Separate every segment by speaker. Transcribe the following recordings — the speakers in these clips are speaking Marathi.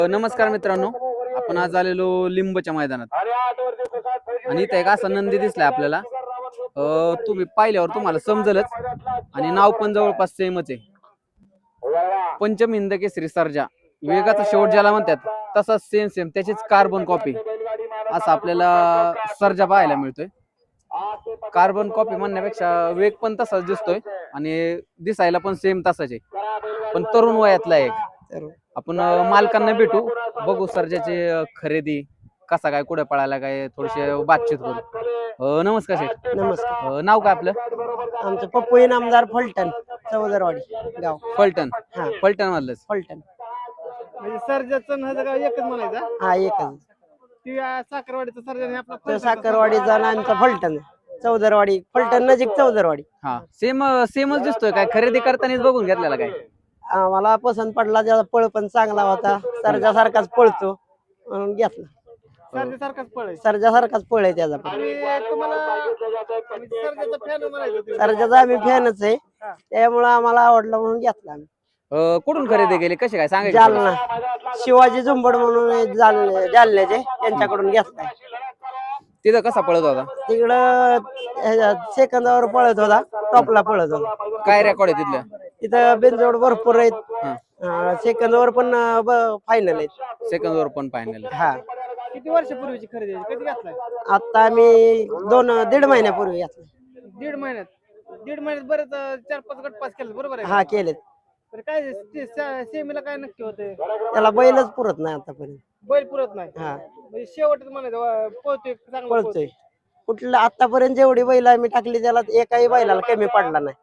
Speaker 1: नमस्कार मित्रांनो, आपण आज आलेलो लिंबच्या मैदानात आणि इथे एक असा नंदी दिसलाय आपल्याला. तुम्ही पाहिल्यावर तुम्हाला समजलच आणि नाव पण जवळपास सेमच आहे. पंचम हिंद केसरी सर्जा, वेगाचा शेवट ज्याला म्हणतात तसाच सेम त्याचीच कार्बन कॉपी असं आपल्याला सर्जा पाहायला मिळतोय. कार्बन कॉपी म्हणण्यापेक्षा वेग पण तसाच दिसतोय आणि दिसायला पण सेम तसाच आहे, पण तरुण वयातला एक. आपण मालकांना भेटू, बघू सर्जाची खरेदी कसा काय, कुठे पळायला काय, थोडीशी बातचीत करू. नमस्कार शेठ.
Speaker 2: नमस्कार.
Speaker 1: नाव काय आपलं?
Speaker 2: आमचं पप्पू इनामदार फलटण चौदरवाडी गाव.
Speaker 1: फलटण.
Speaker 2: हा.
Speaker 1: फलटण मधलंच.
Speaker 2: फलटण.
Speaker 3: म्हणजे सर्जाचं नाव गाव एकच म्हणायचा.
Speaker 2: हा एकच.
Speaker 3: ती साखरवाडीचा सर्जा आपला
Speaker 2: तो साखरवाडीचा आणि आमचा फलटण चौदरवाडी. फलटण नजीक चौदरवाडी.
Speaker 1: हा सेमच दिसतोय. काय खरेदी करतानाच बघून घेतलेला काय?
Speaker 2: मला पसंत पडला, त्याचा पळ पण चांगला होता, सर्जासारखाच पळतो म्हणून घेतला.
Speaker 3: सर्जासारखाच पळ आहे.
Speaker 2: सर्जासारखाच पळ आहे त्याचा पण.
Speaker 3: तुम्हाला सर्जाचा फॅन म्हणायचं.
Speaker 2: सर्जाचा आम्ही फॅनच आहे, त्यामुळे आम्हाला आवडला म्हणून घेतला आम्ही.
Speaker 1: कुठून खरेदी केली, कशी काय सांगायचं?
Speaker 2: जालना शिवाजी झुंबड म्हणून जालन्याचे, त्यांच्याकडून घेतलाय.
Speaker 1: तिथं कसा पळत होता?
Speaker 2: तिकडं सेकंदावर पळत होता, टॉपला पळत होता.
Speaker 1: काय रेकॉर्ड आहे तिथलं?
Speaker 2: तिथं बेंजोड भरपूर आहेत, सेकंदावर पण फायनल आहेत.
Speaker 1: सेकंद वर पण फायनल.
Speaker 2: हा.
Speaker 3: किती वर्षापूर्वीची खरेदी आहे? कधी घेतलाय?
Speaker 2: आता आम्ही 1.5 महिन्यापूर्वी घेतला.
Speaker 3: दीड महिन्यात बरेच 4-5 गट पास केले, बरोबर आहे?
Speaker 2: हा केलेत.
Speaker 3: तर काय सेमीला काय नक्की होते?
Speaker 2: त्याला बैलच पुरत नाही आतापर्यंत.
Speaker 3: बैल पुरत नाही.
Speaker 2: हा.
Speaker 3: म्हणजे शेवटच म्हणायचं पळतोय, चांगला
Speaker 2: पळतोय. कुठलं आतापर्यंत जेवढी बैल आम्ही टाकली त्याला एकाही बैलाला कमी पडला नाही.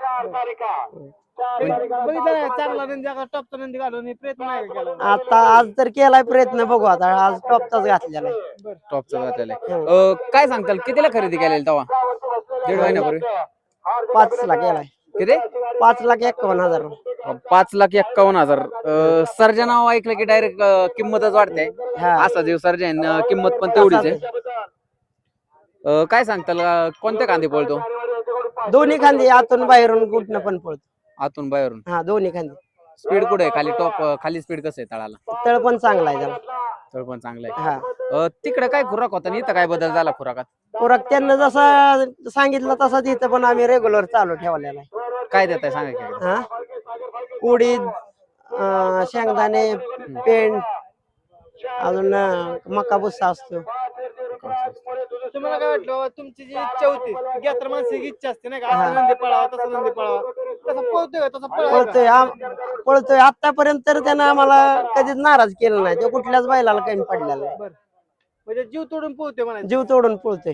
Speaker 3: बघितलं चांगला नंदी, टॉपचा नंदी घालून प्रयत्न नाही केला.
Speaker 2: आता आज तर केलाय प्रयत्न, बघू आता. आज टॉपचाच घातलेला आहे.
Speaker 1: टॉपचा घातलेला आहे. काय सांगताल कितीला खरेदी केलेली तेव्हा? 1.5 महिन्यापूर्वी.
Speaker 2: 5 ला केलाय.
Speaker 1: किती?
Speaker 2: 5,51,000.
Speaker 1: 5,51,000. सर्जा नाव ऐकलं की डायरेक्ट किंमतच वाढते.
Speaker 2: हा.
Speaker 1: असा जीव सर्जा, किंमत पण तेवढीच आहे. काय सांगताल कोणत्या कांदी पळतो?
Speaker 2: दोन्ही खांदी, आतून बाहेरून कुठनं पण पळतो.
Speaker 1: आतून बाहेरून.
Speaker 2: हा, दोन्ही खांदी.
Speaker 1: स्पीड कुठे आहे? खाली खाली स्पीड कसं आहे तळाला?
Speaker 2: तळ पण चांगला आहे त्याला.
Speaker 1: तळ पण चांगला
Speaker 2: हा.
Speaker 1: आहे. तिकडे काय खुराक होता आणि इथं काय बदल झाला खुराकात?
Speaker 2: खुराक त्यांना जसा सांगितलं तसा तिथं पण आम्ही रेग्युलर चालू ठेवलेला आहे.
Speaker 1: काय देताय सांगा की?
Speaker 2: हा. उडीद, शेंगदाणे, पेंड, अजून मका भुस्सा असतो.
Speaker 3: तुम्हाला काय वाटलं? तुमची जी इच्छा होती, घेतर माणसाची इच्छा असते नाही का, असं नंदी पळावा, तसं नंदी पळावा, तसं पळतोय का? तसं
Speaker 2: पळतोय आतापर्यंत तर त्यानं आम्हाला कधीच नाराज केलं नाही. तो कुठल्याच बैलाला कमी पडलेला आहे.
Speaker 3: म्हणजे जीव तोडून पोहतोय म्हणायचं.
Speaker 2: जीव तोडून पळतोय.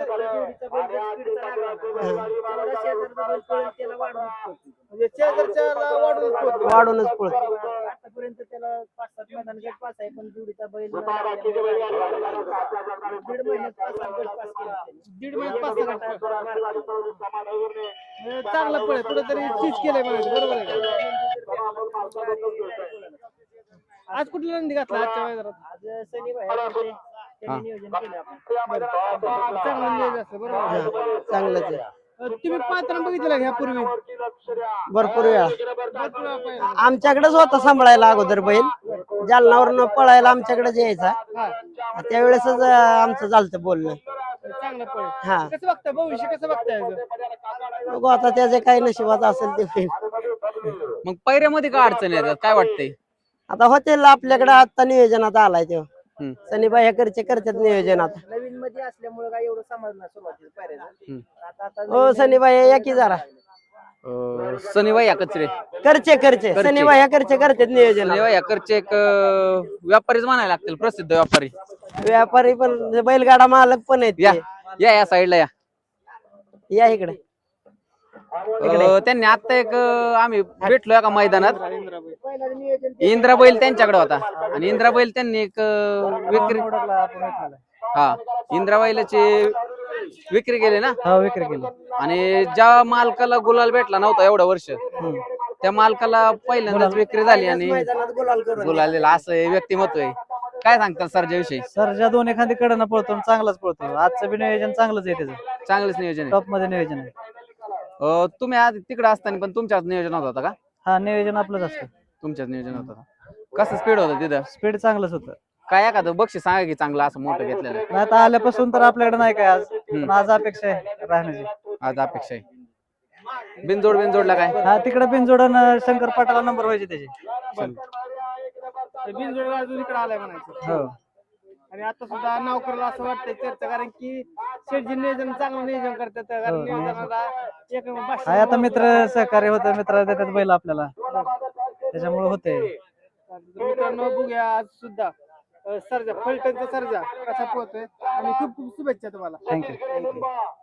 Speaker 3: म्हणजे शेजारच्याला वाढूनच पोहतोय.
Speaker 2: वाढूनच पळतो.
Speaker 3: आतापर्यंत त्याला 5-7 मैदान गट पास आहे, पण जोडीचा बैल दीड महिन्यात 5-6 गट चांगला पळ कुठेतरी चीज केलंय म्हणायचं, बरोबर आहे का? आज कुठला नंदी घातला आजच्या मैदानात? आज नियोजन केलं आपण. चांगलं नियोजन असतं, बरोबर आहे.
Speaker 2: चांगलंच आहे.
Speaker 3: तुम्ही पात्र बघितलं ह्यापूर्वी?
Speaker 2: भरपूर वेळा आमच्याकडेच होता सांभाळायला अगोदर बैल. जालनावरून पळायला आमच्याकडेच यायचा. त्यावेळेसच आमचं झालतं बोलणं.
Speaker 3: चांगलं पळ.
Speaker 2: हा.
Speaker 3: कसं बघताय भविष्य, कसं बघताय?
Speaker 2: बघू आता त्याचे काही नशिबात असेल ते होईल.
Speaker 1: मग पैऱ्यामध्ये काय अडचण येतात काय वाटतंय?
Speaker 2: आता होतील आपल्याकडे. आता नियोजनात आलाय तेव्हा सनीबाई ह्याकडचे करतात नियोजन. आता
Speaker 3: नवीन मध्ये असल्यामुळे काय एवढं समजणार सुरुवातीला.
Speaker 2: हो सनीबाई या की जरा.
Speaker 1: सनीबाई या कचरे
Speaker 2: करचे सनीबाई ह्याकडचे करतात नियोजन.
Speaker 1: सनीबाई या करचे एक व्यापारीच म्हणायला लागतील, प्रसिद्ध व्यापारी.
Speaker 2: व्यापारी पण बैलगाडा मालक पण आहेत
Speaker 1: या
Speaker 2: ते.
Speaker 1: या साईडला
Speaker 2: या इकडे.
Speaker 1: त्यांनी आता एक आम्ही भेटलो एका मैदानात. इंद्रा बैल त्यांच्याकडे होता आणि इंद्रा बैल त्यांनी एक विक्री, हा इंद्रा बैलाची विक्री केली ना?
Speaker 2: हा, विक्री केली.
Speaker 1: आणि ज्या मालकाला गुलाल भेटला नव्हता एवढं वर्ष, त्या मालकाला पहिल्यांदाच विक्री झाली आणि गुलाल दिला. असं हे व्यक्तिमत्व आहे. काय सांगतात सर्जाविषयी?
Speaker 2: सर्जा दोन एखादी कडनं पळतो, चांगलाच पळतो. आजचं बी नियोजन चांगलंच आहे त्याचं.
Speaker 1: चांगलंच नियोजन आहे.
Speaker 2: टॉप मध्ये नियोजन आहे.
Speaker 1: तुम्ही आज तिकडे असताना पण तुमच्याच नियोजन होता का?
Speaker 2: हा, नियोजन आपलंच असतं.
Speaker 1: तुमच्याच नियोजन होतं. कसं स्पीड होतं तिथं?
Speaker 4: स्पीड चांगलंच होतं.
Speaker 1: काय एखादं बक्षीस सांगा की चांगलं असं मोठं घेतलेलं.
Speaker 4: नाही आता आल्यापासून तर आपल्याकडे नाही काय आज, पण आज अपेक्षा आहे राहण्याची.
Speaker 1: आज अपेक्षा आहे. बिनजोडला काय?
Speaker 4: हा तिकडे बिनजोडन शंकर पाटाला नंबर व्हायचे त्याचे.
Speaker 3: बिनजोड अजून इकडे आलाय म्हणायचं.
Speaker 4: हो
Speaker 3: आणि आता सुद्धा नाव करायला असं वाटतंय चर्चा, कारण की शेटजी नियोजन चांगलं नियोजन करतात. कारण
Speaker 4: हो,
Speaker 3: नियोजनाला एक भाषा
Speaker 4: हाय आता मित्र सहकार्य होतं, मित्र देतात बैल आपल्याला, त्याच्यामुळे होते.
Speaker 3: तर मित्रांनो बघूया आज सुद्धा सर्जा फलटणचा सर्जा कसा पोहोचतोय आणि खूप खूप शुभेच्छा तुम्हाला.
Speaker 4: थँक्यू.